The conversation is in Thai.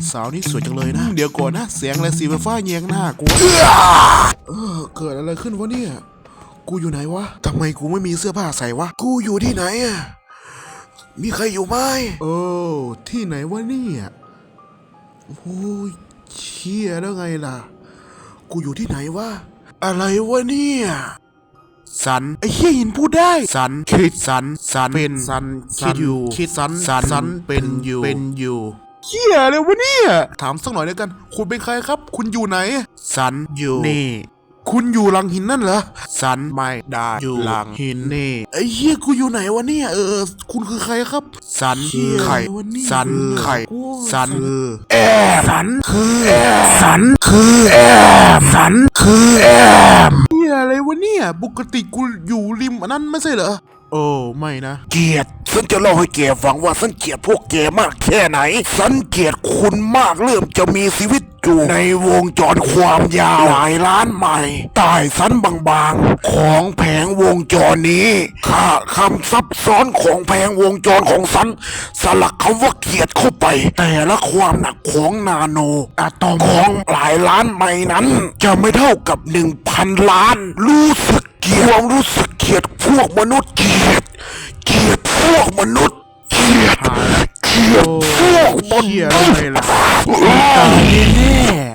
สาวนี่สวยจังเลยนะเดี๋ยวก่อนนะเสียงอะไรสีฟ้าแยงหน้ากูเกิดอะไรขึ้นวะเนี่ยกูอยู่ไหนวะทำไมกูไม่มีเสื้อผ้าใส่วะกูอยู่ที่ไหนอะมีใครอยู่ไหมที่ไหนวะเนี่ยโอ้ยเชี่ยแล้วไงล่ะกูอยู่ที่ไหนวะอะไรวะเนี่ยสันไอ้เหี้ยหินพูดได้สันคิดสันเป็นสันคิดอยู่คิดสันเป็นอยู่เหี้ยเลยวะเนี่ยถามสักหน่อยแล้วกันคุณเป็นใครครับคุณอยู่ไหนสันอยู่นี่คุณอยู่หลังหินนั่นเหรอสันไม่ได้อยู่หลังหินนี่ไอ้เหี้ยกูอยู่ไหนวะเนี่ยคุณคือใครครับสันไข่สันไข่สันสันคือสันคือสันคือเหี้ยอะไรวะเนี่ยปกติกูอยู่ริมอันนั้นไม่ใช่เหรอโอ้ไม่นะเกลียดฉันจะเล่าให้แกฟังว่าฉันเกลียดพวกแกมากแค่ไหนฉันเกลียดคุณมากเริ่มจะมีชีวิตอยู่ในวงจรความยาวหลายล้านไมล์ใต้ชั้นบางๆของแผงวงจรนี้ค่าคำซับซ้อนของแผงวงจรของฉันสลักคำว่าเกลียดเข้าไปแต่ละความหนักของนาโนอะตอมของหลายล้านไมล์นั้นจะไม่เท่ากับ 1,000 ล้านรู้สึกเกลียดความรู้สึกเกลียดพวกมนุษย์เกลียดพวกมนุษย์เกลียดพวกมนุษย์เหี้ยอะไรล่ะตายแน่